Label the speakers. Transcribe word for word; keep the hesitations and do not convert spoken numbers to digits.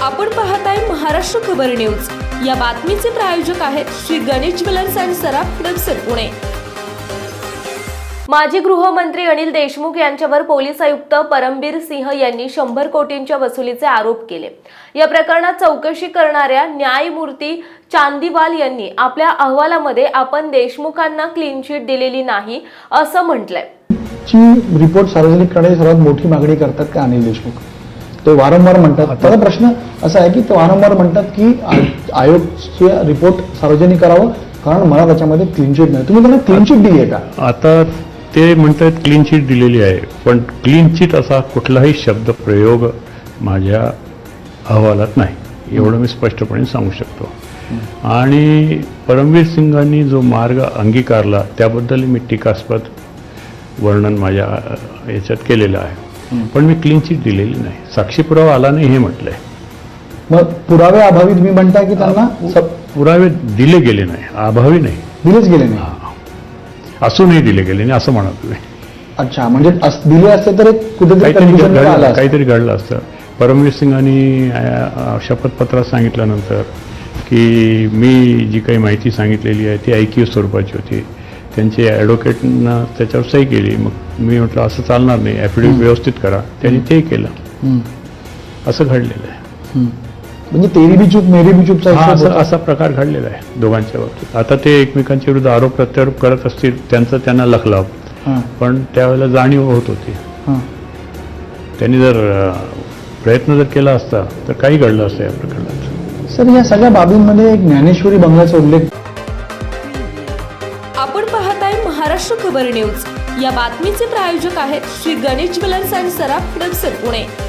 Speaker 1: आपण पाहताय महाराष्ट्र खबर न्यूज। या बातमीचे प्रायोजक आहेत श्री गणेश ज्वेलर्स अँड सराफ हडपसर पुणे। माजी गृहमंत्री अनिल देशमुख यांच्यावर पोलीस आयुक्त परमबीर सिंह यांनी शंभर कोटींच्या वसुलीचे आरोप केले। या प्रकरणात चौकशी करणाऱ्या न्यायमूर्ती चांदीवाल यांनी आपल्या अहवालामध्ये आपण देशमुखांना क्लीन चिट दिलेली नाही असं म्हटलंय।
Speaker 2: ची रिपोर्ट सार्वजनिक करण्याची सर्वात मोठी मागणी करतात का अनिल देशमुख? ते वारंवार म्हणतात। आता प्रश्न असा आहे की ते वारंवार म्हणतात की आयोगचे रिपोर्ट सार्वजनिक करावं कारण मला त्याच्यामध्ये क्लीन चिट नाही। तुम्ही त्यांना क्लीन चिट दिली आहे का?
Speaker 3: आता ते म्हणतात क्लीन चिट दिलेली आहे, पण क्लीन चिट असा कुठलाही शब्द प्रयोग माझ्या अहवालात नाही, एवढं मी स्पष्टपणे सांगू शकतो। आणि परमवीर सिंगांनी जो मार्ग अंगीकारला त्याबद्दल मी टीकास्पद वर्णन माझ्या याच्यात केलेलं आहे, पण मी क्लीन चिट दिलेली नाही, साक्षी पुरावा आला नाही हे म्हटलंय।
Speaker 2: मग पुरावे अभावी तुम्ही म्हणता की त्यांना
Speaker 3: पुरावे दिले गेले नाही, अभावी नाही,
Speaker 2: दिलेच गेले नाही,
Speaker 3: असूनही दिले गेले नाही असं म्हणा तुम्ही।
Speaker 2: अच्छा, म्हणजे दिले असते तर कुठेतरी
Speaker 3: काहीतरी घडलं असतं। परमवीर सिंगांनी शपथपत्रात सांगितल्यानंतर की मी जी काही माहिती सांगितलेली आहे ती ऐकीव स्वरूपाची होती, त्यांचे ॲडव्होकेटनं त्याच्यावर सही केली। मग मी म्हटलं असं चालणार नाही, ॲफिडेव्हिट व्यवस्थित करा, त्यांनी ते केलं, असं घडलेलं आहे।
Speaker 2: म्हणजे तेरी बी चूक मेरी बी चूकचा
Speaker 3: असा असा प्रकार घडलेला आहे दोघांच्या बाबतीत। आता ते एकमेकांच्या विरुद्ध आरोप प्रत्यारोप करत असतील, त्यांचं त्यांना लखलाव, पण त्यावेळेला जाणीव होत होती। त्यांनी जर प्रयत्न जर केला असता तर काही घडलं असतं या प्रकरणात।
Speaker 2: सर, या सगळ्या बाबींमध्ये एक ज्ञानेश्वरी बंगल्याचा उल्लेख।
Speaker 1: आपण पाहताय महाराष्ट्र खबर न्यूज। या बातमीचे प्रायोजक आहेत श्री गणेश ज्वेलर्स अँड सराफ हडपसर पुणे।